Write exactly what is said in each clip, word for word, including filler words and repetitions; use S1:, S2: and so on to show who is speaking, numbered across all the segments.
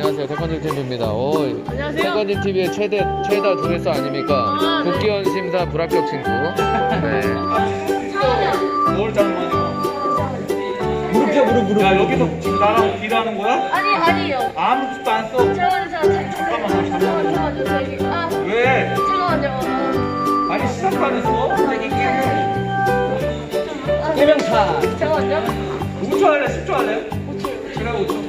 S1: 안녕하세요. 태권도 팀입니다. 오,
S2: 안녕하세요.
S1: 태권도 티비의 최대 최다 조회수 아닙니까?
S2: 아, 네.
S1: 국기원 심사 불합격 친구. 네.
S3: 뭘 잘못이야?
S4: 무릎 펴 무릎 무릎.
S3: 야 여기서 지금 나랑 딜하는 거야?
S2: 아니 아니에요.
S3: 아무것도 안 써.
S2: 잠깐만요, 잠깐만요, 잠깐만요, 잠깐만요, 잠깐만요, 저기 아
S3: 왜?
S2: 잠깐만요.
S3: 아니 시작도 안 했어.
S4: 해명차.
S2: 잠깐만요.
S3: 오 초 할래? 십 초 할래?
S2: 오 초.
S3: 그래 오 초.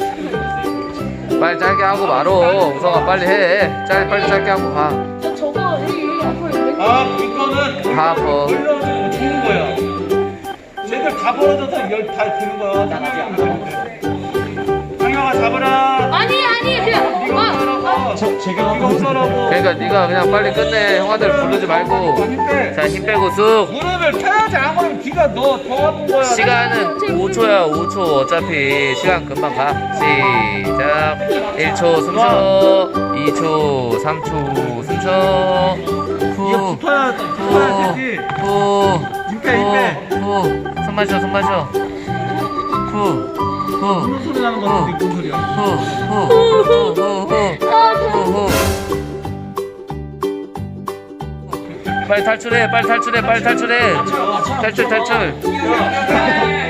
S1: 빨리 짧게 하고 말어. 우성아 빨리 해. 짧 빨리 짧게 하고 가.
S2: 저 저거 여기 여기 앞으로 있는
S3: 아 이거는
S1: 다 버.
S3: 걸려가지고 죽는 거야. 쟤들 다 벌어져서 열 다 드는 거야. 난 아직 안 보는데. 상영아 잡아라.
S2: 아니 아니 그냥
S3: 이거
S2: 아,
S3: 하라고.
S4: 저 제가
S3: 이거 하라고.
S1: 그러니까 네가 그냥 빨리 끝내. 형아들 부르지 말고.
S3: 힘 빼.
S1: 자, 힘 빼고 쑥.
S3: 무릎을 펴야지 안 그러면 네가 너더 아픈 거야.
S1: 시간은 오 초야. 오 초. 어차피 시간 금방 가. 시작. 일 초 숨 쉬어. 이 초, 삼 초 숨 쉬어.
S3: 이거
S1: 후.
S3: 붙어야 붙어야 되지.
S1: 후.
S3: 힘 빼, 힘 빼.
S1: 후. 후. 숨 마셔. 숨 마셔. 후. 후.
S3: 무슨 소리 나는 거 같은데 무슨 소리야?
S1: 후. 후. 후. 후. 후. 후. 빨리 탈출해. 빨리 탈출해. 빨리 탈출해. 탈출 탈출.